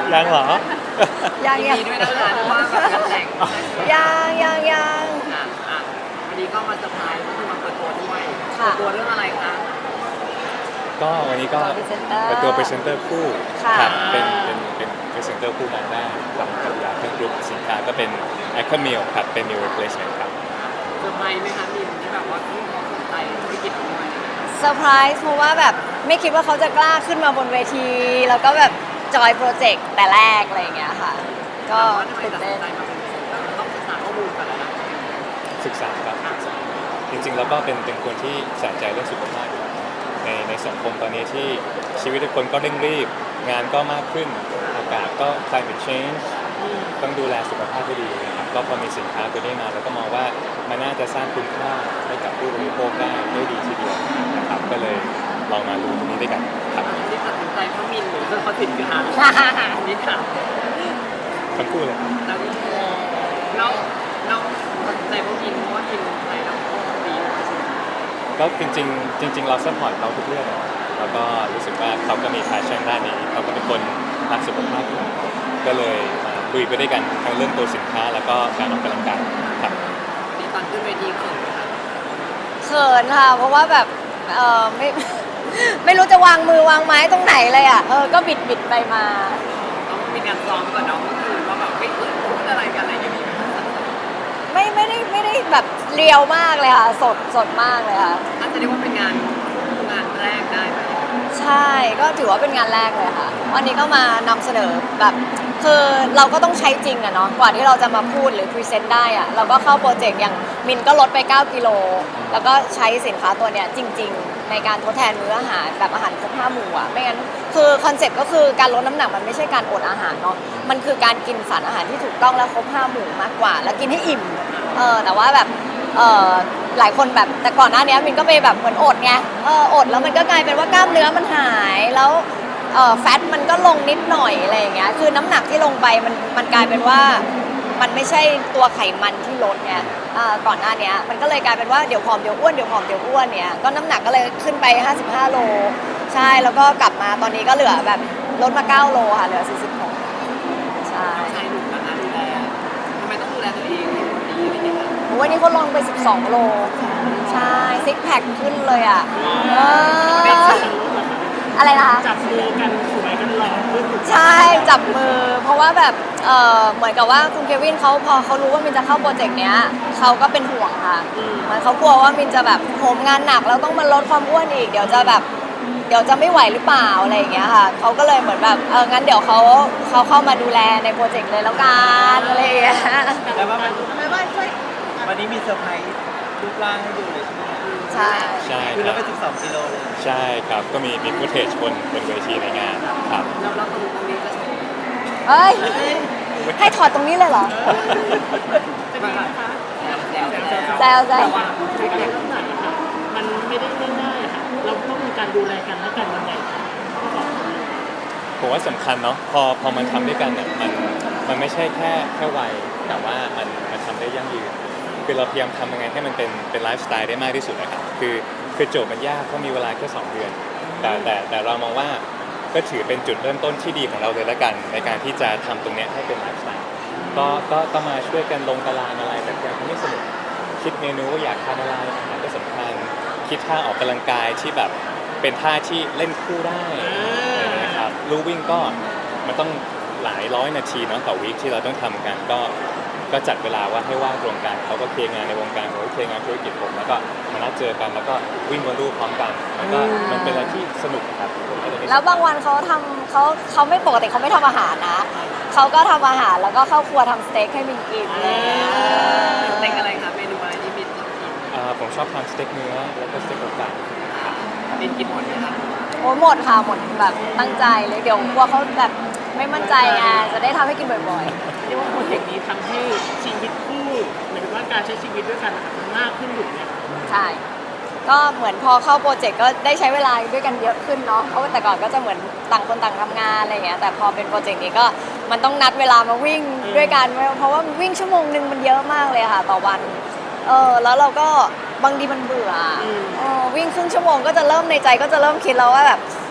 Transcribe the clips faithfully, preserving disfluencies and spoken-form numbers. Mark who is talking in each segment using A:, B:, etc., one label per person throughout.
A: ยังเหรอ
B: ยัง
C: ยิน
B: ยัง
C: ดีด้วยนะคะที่ว่าแบบงานแต่ง
B: ยังยังยัง
C: อ่ะอ่ะวันนี้ก็มาเซอร์ไพรส์ก็คือมาเปิดตัวด้วยเปิ
B: ค่ะ
C: ดตัวเรื่องอะไรคะ
A: ก็วันนี้ก็
B: ตัว presenter
A: เปิดตัวพรีเซนเตอร์คู่
B: ค่ะ
A: ครับเป็นเป็นเป็นพรีเซนเตอร์คู่งานแรกกับกับยาเครื่องกรุ๊ปสินค้าก็เป็น a c a m i l ครับเป็น Meal Replacement ครับ
C: เซอร์ไพรส์ไหมคะมินที่แบบว่าที่เขาสนใจธุรกิจด้วย
B: เซอร์ไพรส์เพราะว่าแบบไม่คิดว่าเขาจะกล้าขึ้นมาบนเวที แล้วก็แบบจอยโปรเจกต์แต่แรกอะไรอย่างเงี้ยค่ะ ก็
C: ว่าทำไม
B: ตื่น
C: ตัด
B: เต้
C: สิน
B: น
C: ใจมาเป็นพรีเซนเตอร์ต้องศึกษาข้อมูลก่อนแล้วนะ
A: ศึกษาครับศึกษาจริงๆแล้วก็เป็นเป็นคนที่ใส่ใจเรื่องสุขภาพอยู่แล้วในในสังคมตอนนี้ที่ชีวิตทุกคนก็เร่งรีบ งานก็มากขึ้นอากาศก็ climate change ต้องดูแลสุขภาพให้ดีนะครับก็พอมีสินค้าตัวนี้มาแล้วก็มองว่ามันน่าจะสร้างคุณค่าให้กับผู้บริโภคได้ได้ดีทีเดียวนะครับก็เลยลองมาดูตรงนี้ด้วยกันครับ
C: ที่ตัดสินใจเพราะมินหรือเพราะสินค้านี่ค่ะ
A: ทั้งคู่เลยครับ
C: แล้วแล้วเราตัดสินใจเพราะมินเพราะว่ามินใส่แล้วก็ดีด้วยใช่ไหม
A: ก็จริงๆจริง ๆ เราซัพพอร์ตเขาทุกเรื่องอะแล้วก็รู้สึกว่าเขาก็มีแพชชั่นด้านนี้เขาก็เป็นคนรักสุขภาพอยู่ก็เลยมาคุยไปด้วยกันทั้งเรื่องตัวสินค้าแล้วก็การออกกำลังกายครับ
C: นี่ตอนขึ้นเวทีเขินไหมคะ
B: เขินค่ะ เพราะว่าแบบเออไม่ ไม่รู้จะวางมือวางไม้ตรงไหนเลยอ่ะเออก็บิดบิดไปมา
C: ต้องมีการซ้อมก่อนเนาะก็คือว่าแบบไม่เขินพูดอะไรกันอะไรอย่างนี้
B: ไม่ไม่ได้ไม่ได้แบบเรียวมากเลยค่ะ สดสดมากเลยค่ะ
C: อาจจะเรียกว่าเป็นงานงานแรกได้ไหม
B: ใช่ก็ถือว่าเป็นงานแรกเลยค่ะ วันนี้ก็มานำเสนอแบบคือเราก็ต้องใช้จริงอะเนาะกว่าที่เราจะมาพูดหรือพรีเซนต์ได้อะเราก็เข้าโปรเจกต์อย่างมินก็ลดไปเก้ากิโลแล้วก็ใช้สินค้าตัวเนี้ยจริง ๆ ในการทดแทนมื้ออาหารแบบอาหารครบห้าหมู่อะไม่งั้นคือคอนเซ็ปต์ก็คือการลดน้ำหนักมันไม่ใช่การอดอาหารเนาะมันคือการกินสารอาหารที่ถูกต้องและครบห้าหมู่มากกว่า แล้วกินให้อิ่มเออแต่ว่าแบบเออหลายคนแบบแต่ก่อนหน้านี้มินก็ไปแบบเหมือนอดไงเอออดแล้วมันก็กลายเป็นว่ากล้ามเนื้อมันหายแล้วเออแฟตมันก็ลงนิดหน่อยอะไรอย่างเงี้ยคือน้ำหนักที่ลงไปมันมันกลายเป็นว่ามันไม่ใช่ตัวไขมันที่ลดไงอ่าก่อนหน้านี้มันก็เลยกลายเป็นว่าเดี๋ยวผอมเดี๋ยวอ้วนเดี๋ยวผอมเดี๋ยวอ้วนเนี่ยก็น้ำหนักก็เลยขึ้นไปห้าสิบห้าโลใช่แล้วก็กลับมาตอนนี้ก็เหลือแบบลดมาเก้าโลค่ะเหลือสี่สิบหกใช่
C: ใช้หนุ่มนะคะดูแลทำไมต้องดูแลตัวเองให้หุ่นดีอะไรอย่างเงี้ยคะ
B: วันนี้เขาลงไปสิบสองโลใช่ซิกแพคขึ้นเลยอ่ะเอออะไรนะคะ
D: จับมือกันสวยกันหล่อขึ้น
B: ใช่จับมือ เพราะว่าแบบเออเหมือนกับว่าคุณเควินเขาพอเขารู้ว่ามินจะเข้าโปรเจกต์เนี้ยเขาก็เป็นห่วงค่ะเหมือนเขากลัวว่ามินจะแบบโหมงานหนักแล้วต้องมาลดความอ้วนอีกเดี๋ยวจะแบบเดี๋ยวจะไม่ไหวหรือเปล่าอะไรอย่างเงี้ยค่ะเขาก็เลยเหมือนแบบเอองั้นเดี๋ยวเขาเขาเข้ามาดูแลในโปรเจกต์เลยแล้วกันอะไรอย่างเงี้ย
D: แต่ว่ามัน
B: ไม่ว่าช่วย
D: วันนี้มีเซอร์ไพรส์รูปร่างให้ดูเลยใช่ไหม
B: ใช่
A: ใช่
D: คือ
A: ค
D: เรา
A: รับ
D: ไปสิบสองกิโลเลย
A: ใช่ครับก็มีมีฟุตเทจบนบนเวทีในงานครับ
C: แล้วเราตรงตรงนี้จะใช้
B: เฮ้ยให้ถอดตรงนี้เลยเหรอ
C: จะมีนะคะแล้วแล้ว
B: แซวแซว
D: ว่าการน้ำหนักอะค่ะมันไม่ได้ง่ายๆอะค่ะเราต้องมีการดูแลกันและกันยังไงคะ
A: ผมว่าสำคัญเนาะพอพอมันทำด้วยกันเนี่ยมันมันไม่ใช่แค่แค่วัยแต่ว่ามันมันทำได้ยั่งยืนคือเราพยายามทำยังไงให้มันเป็นเป็นไลฟ์สไตล์ได้มากที่สุดนะครับคือคือโจทย์มันยากเพราะมีเวลาแค่สองเดือนแต่แต่แต่เรามองว่าก็ถือเป็นจุดเริ่มต้นที่ดีของเราเลยละกัน ในการที่จะทำตรงเนี้ยให้เป็นไลฟ์สไตล์ก็ก็ก็มาช่วยกันลงตารางอะไรแบบอย่างที่สนุกคิดเมนูว่าอยากทานอะไรอาหารก็สำคัญคิดท่าออกกำลังกายที่แบบเป็นท่าที่เล่นคู่ได้อะไรอย่างเงี้ยครับลู่วิ่งก็มันต้องหลายร้อยนาทีเนาะต่อวีคที่เราต้องทำกันก็ก็จัดเวลาว่าให้ว่างตรงกันเขาก็เคลียร์งานในวงการผมก็เคลียร์งานธุรกิจผมแล้วก็มานัดเจอกันแล้วก็วิ่งบนลู่พร้อมกันมันก็มันเป็นอะไรที่สนุกครับผมก็จะไม่
B: แล้วบางวันเขาทำเขาเขาไม่ปกติเขาไม่ทำอาหารนะเขาก็ทำอาหารแล้วก็เข้าครัวทำสเต็กให้มินกินอะไรอย่างเลย
C: เต็งอะไรคะเมนูอะไรที่มินชอบกิน
A: อ่าผมชอบทานสเต็กเนื้อแล้วก็สเต็กอกไก่
C: มินกินหมดไหมคะ
B: โอ้ยหมดค่ะหมดแบบตั้งใจเลยเดี๋ยวกลัวเขาแบบไม่มั่นใจไงจะได้ทำให้กินบ่อย
D: เรียกว่าโปรเจกต์นี้ทำให้ชีวิตคู่หมายถึงว่าการใช้ชีวิตด้วยกันอะมันมากขึ้นอยู่เนี่ย
B: ๆใช่ก็เหมือนพอเข้าโปรเจกต์ก็ได้ใช้เวลาด้วยกันเยอะขึ้นเนาะเพราะว่าแต่ก่อนก็จะเหมือนต่างคนต่างทำงานอะไรอย่างเงี้ยแต่พอเป็นโปรเจกต์นี้ก็มันต้องนัดเวลามาวิ่งด้วยกันเพราะว่าวิ่งชั่วโมงหนึ่งมันเยอะมากเลยค่ะต่อวันเออแล้วเราก็บางทีมันเบื่อเออวิ่งครึ่งชั่วโมงก็จะเริ่มในใจก็จะเริ่มคิดแล้วว่าแบบพ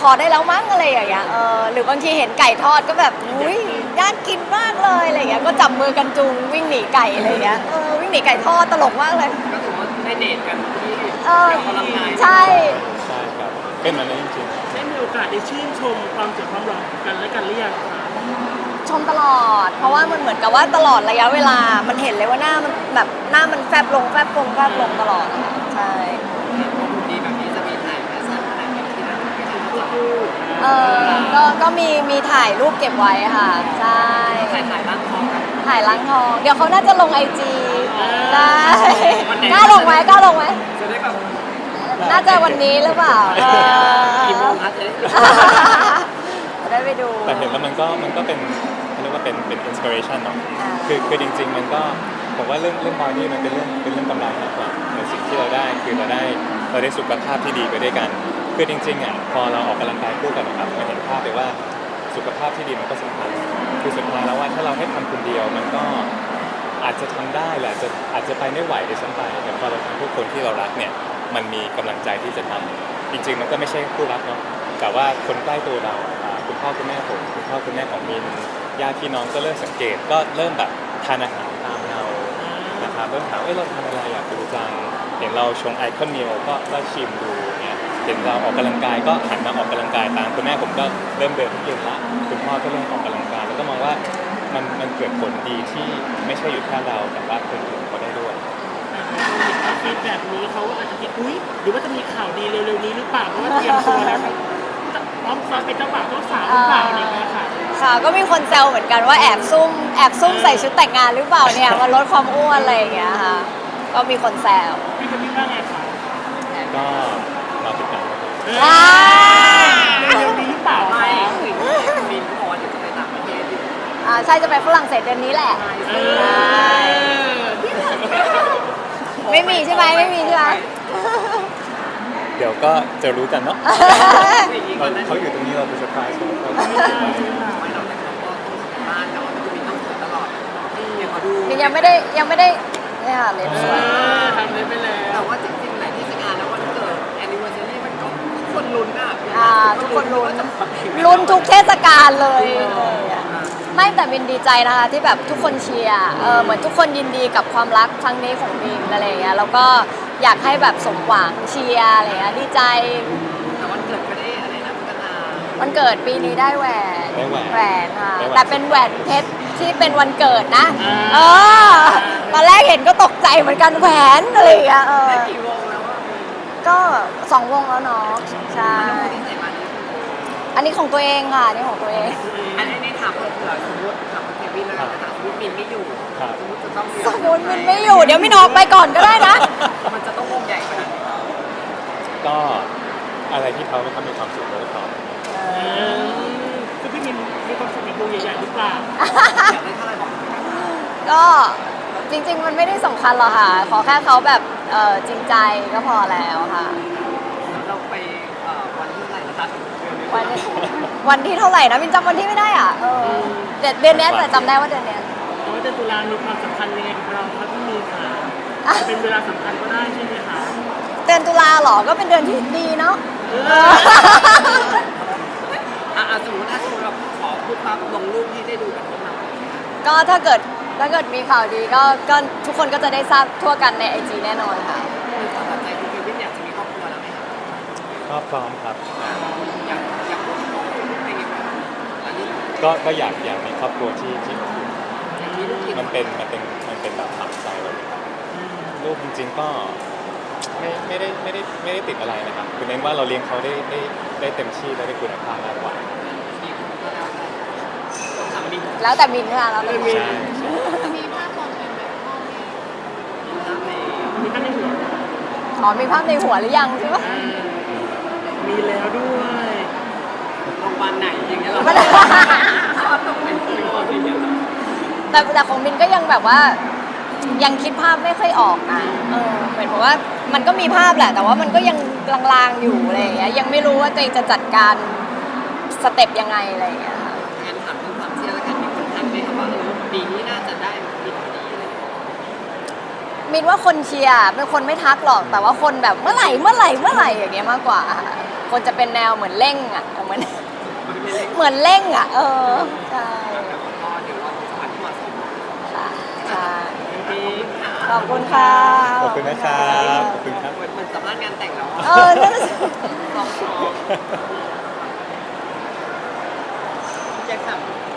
B: อได้แล้วมั้งอะไรอย่างเงี้ยเออหรือบางทีเห็นไก่ทอดก็แบบอุ้ยน่ากินมากเลยอะไรอย่างเงี้ยก็จับมือกันจูงวิ่งหนีไก่อะไรอย่างเงี้ยเออวิ่งหนีไก่ทอดตลกมากเลย
C: ก็ถือว่าได้เดทกันที่
B: เออ
C: ออกกำลังกาย
B: ใช่
A: ใช่ครับเป็นแบบนั้นจริง
D: ได้มีโอกาสได้ชื่นชมความสวยความหล่อของกันและกันหรือยังคะ
B: ชมตลอด เพราะว่ามันเหมือนกับว่าตลอดระยะเวลา มันเห็นเลยว่าหน้ามันแบบหน้ามันแฟบลงแฟบลงแฟบลงตลอดอะใช่
C: ดีแบบนี้จะมีถ่ายแฟชั่นถ่ายแบบที่นั่นที่นั่นคู่
B: เออก็ก็มีมีถ่ายรูปเก็บไว้ค่ะ ใช่
C: ถ่ายถ่ายร่างทองกัน
B: ถ่ายล้างทอง เดี๋ยวเขาน่าจะลงไอจีได้
C: วันไหน
B: กล้าลงไหมกล้าลงไหม
C: จะได้แบบ
B: น่าจะวันนี้หรือเปล่าเออ
C: กี่โมงคะจะได้
B: จะได้ไปดู
A: ๆ แต่เห็นแล้วมันก็มันก็เป็นเขาเรียกว่าเป็นเป็นอินสปิเรชันเนาะ
B: อ่า
A: คือคือจริง ๆ มันก็ผมว่าเรื่องเรื่องบอดี้มันเป็นเรื่องเป็นเรื่องกำไรมากกว่าแต่สิ่งที่เราได้คือเราได้เราได้สุขภาพที่ดีไปด้วยกัน คือจริงๆอ่ะพอเราออกกำลังกายคู่กันนะครับมันเห็นภาพเลยว่าสุขภาพที่ดีมันก็สำคัญคือสุดท้ายแล้วว่าถ้าเราให้ทำคนเดียวมันก็อาจจะทำได้แหละอาจจะอาจจะไปไม่ไหวด้วยซ้ำไปแต่พอเราทำเพื่อคนที่เรารักเนี่ยมันมีกำลังใจที่จะทำจริง ๆ มันก็ไม่ใช่คู่รักเนาะแต่ว่าคนใกล้ตัวเราอ่าคุณพ่อคุณแม่ผมคุณพ่อคุณแม่ของมินญาติพี่น้องก็เริ่มสังเกตก็เริ่มแบบทานอาหารตามเรา นะครับเริ่มถามเอ้ยเราทำอะไรอยากดูจังเห็นเราชงไอคอนมิลก็ก็ชิมดูเนี่ยเห็นเราออกกำลังกายก็หันมาออกกำลังกายตามคุณแม่ผมก็เริ่มเดินทุกเย็นละคุณพ่อก็เริ่มออกกำลังกายแล้วก็มองว่ามันมันเกิดผลดีที่ไม่ใช่อยู่แค่เราแต่ว่าคนอื่นก็ได้ด้วย
D: ถ้าฟีดแบบนี้เขาอาจจะคิดอุ้ยหรือว่าจะมีข่าวดีเร็วๆนี้หรือเปล่าเพราะว่าเตรียมตัวแล้วพร้อมซ้อมเป็นเจ้าบ่าวเจ้าสาวหรือเปล่าอะไรอย่างเงี้ยค่ะ
B: ค่ะก็มีคนแซวเหมือนกันว่าแอบซุ่มแอบซุ่มใส่ชุดแต่งงานหรือเปล่าเนี่ยมาลดความอ้วนอะไรอย่างเงี้ยค่ะ ก็มีคนแซว
D: พี่จะพี่ว่าไงคะ
A: ก็มาติดตามนะครับ
B: อ่า
D: เร็วๆนี้หรือเปล่า
C: ไม่
D: คะ
C: คือบินพอเดี๋ยวจะไปต่างประเทศอยู่
B: อ่าใช่จะไปฝรั่งเศสเดือนนี้แหละ
D: เอ
B: ใช่
D: อ
B: ไม่มีใช่ไหมไม่มีใช่ไหม
A: เดี๋ยวก็จะรู้กันเนาะ
C: อย่างนี้
A: เรา
C: ก่อนนะ
A: เขาอยู่ตรงนี้เราเป็นเซอร์ไพรส์เขาเขา
D: ไม่ได้ใช่ไหมคะ
C: ไม่เราแต่เขาก็ต้องบ้านเนาะคือบินต้องสวยตลอดเนี่ยเขาดู
B: มินยังไม่ได้ยังไม่ได้เนี่ยค่ะเล็บ
D: เอ
B: สวย
D: อทำเลยไปแล้ว
C: แต่ว่าจริงๆหลายเทศกาลนะวันเกิดแอนนิเวอร์ซารีมันก็ทุกคนลุ้นอ่ะ
B: อ่าทุกคนลุ้น
C: ว่าจะแบบเห็ไหม
B: ลุ้นทุกเทศกาลเลยเลยอะไม่แต่มินดีใจนะคะที่แบบทุกคนเชียร์เออเหมือนทุกคนยินดีกับความรักครั้งนี้ของมินอะไรอย่างเงี้ยแล้วก็อยากให้แบบสมหวังเชียร์อะไรเงี้ยดีใจ
C: แต่วันเกิดก็ได้อะไรนะพัฒนา
B: วันเกิดปีนี้ได้แหวน
A: ได้แหวน
B: แหวนค่ะ
A: ได้แหวน
B: แต่เป็นแหวนเพชรที่เป็นวันเกิดนะ
D: อ่า
B: เออตอนแรกเห็นก็ตกใจเหมือนกันแหวนอะไรอย่างเงี้ยเออ
C: ได้กี่วงแล้วว่า
B: ก็สองวงแล้วเนาะใช่
C: ที่ใส่มานี่
B: อันนี้ของตัวเองค่ะอันนี่ของตัวเอง
C: อันนี้ถามเผื่อสมมติถามเควินแล้วกันนะคะสมมติมินไม่อยู่
A: ครับ
C: สมมติจะต้อง
B: สมมติมินไม่อยู่เดี๋ยวมินออกไปก่อนก็ได้นะ
C: มันจะต้องวงใหญ่ขนาดไหน
A: ก็อะไรที่เขาไม่ทำมีความสุขเราก็ทำ
D: เออคือพี่มินมีความสุขกับวงใหญ่ๆหรือเปล่า
C: อยากได้เท่าไหร่บอกมา
B: ก็จริง ๆ มันไม่ได้สำคัญหรอกค่ะ ขอแค่เขาแบบเออจริงใจก็พอแล้วค่ะ
C: เราไปเอ่อวันที่เท่าไหร่นะคะ
B: วันวันที่เท่าไหร่นะมินจำวันที่ไม่ได้อ่ะเออเดือนเดือนเนี้ยแต่จำได้ว่าเดือนเนี้ย
D: แต่ว่าเดือนตุลามีความสำคัญยังไงกับเราครับพี่มินคะจะเป็นเวลาสำคัญก็ได้ใช่ไหมคะ
B: เดือนตุลาเหรอก็เป็นเดือนที่ดีเนาะ
D: เออ
C: อ่ะอ่ะสมมติถ้าสมมติเราขอพูดปั๊บลงรูปที่ได้ดูกันพวกเรา
B: ก็ถ้าเกิดถ้าเกิดมีข่าวดีก็ก็ทุกคนก็จะได้ทราบทั่วกันในไอจีแน่นอนค่ะ
C: คือความตั้งใจคือเควินอยากจะมีครอบครัวแล้วไหมคะ
A: ก็พร้อมครับ
C: อยากอยากมีครอบครัวอะไรอย่างเงี้ยอันนี้
A: ก็ก็อยากอยากมีครอบครัวที่ที่อบอุ่น
C: อยากมีลูกกี่ค
A: มันเป็นมันเป็นมันเป็นแบบฝังใจเราเลยลูกจริงๆก็ไม่ไม่ได้ไม่ได้ไม่ได้ติดอะไรนะครับคือเน้นว่าเราเลี้ยงเขาได้ได้ได้เต็มที่และได้คุณภาพมากกว่า
C: มีคนก็แล้วแต่ต้องถามบิน
B: แล้วแต่มินค่ะแล้วแต่มิน
A: ใช่ใช่
C: มีภาพใน
D: มีท่านในหัว
B: อ๋อมีภาพในหัวหรือยังใช่ปะ
D: อ่ามีแล้วด้วย
C: โรงพยาบาลไหนอย่างเงี้ยเหรอชอบตรงเป็นตัวอย่างเงี้ยเหรอ
B: แต่แต่ของมินก็ยังแบบว่ายังคิดภาพไม่ค่อยออกนะเออเหมือนกับว่ามันก็มีภาพแหละ แต่ว่ามันก็ยังลางๆอยู่อะไรอย่างเงี้ยยังไม่รู้ว่าตัวเองจะจัดการสเต็ปยังไงอะไรอย่างเงี้ยค่ะ
C: งั้นถามเรื่องความเชื่อแล้วกันมีคนทักไหมคะว่าเออปีนี้น่าจะได้บินนี้อะไรอย่างเงี้ย
B: มินว่าคนเชียร์เป็นคนไม่ทักหรอกแต่ว่าคนแบบเมื่อไหร่เมื่อไหร่เมื่อไหร่อย่างเงี้ยมากกว่าค่ะคนจะเป็นแนวเหมือนเร่งอ่ะเหมือน
C: มันเป็นเล็ก
B: เหมือนเร่งอ่ะ เออใช่
C: แต่ก็เดี๋ยวเราสถานที่เหมาะสม
B: ค่ะใช่
C: ที่
B: ขอบคุณค่ะ
A: ขอบคุณนะครับขอบคุณครับ
C: เหมือนเหมือนสัมภาษณ์งานแต่งแล้ว
B: เออนั่นน่ะสิ
C: ลองลองแจ็คสัน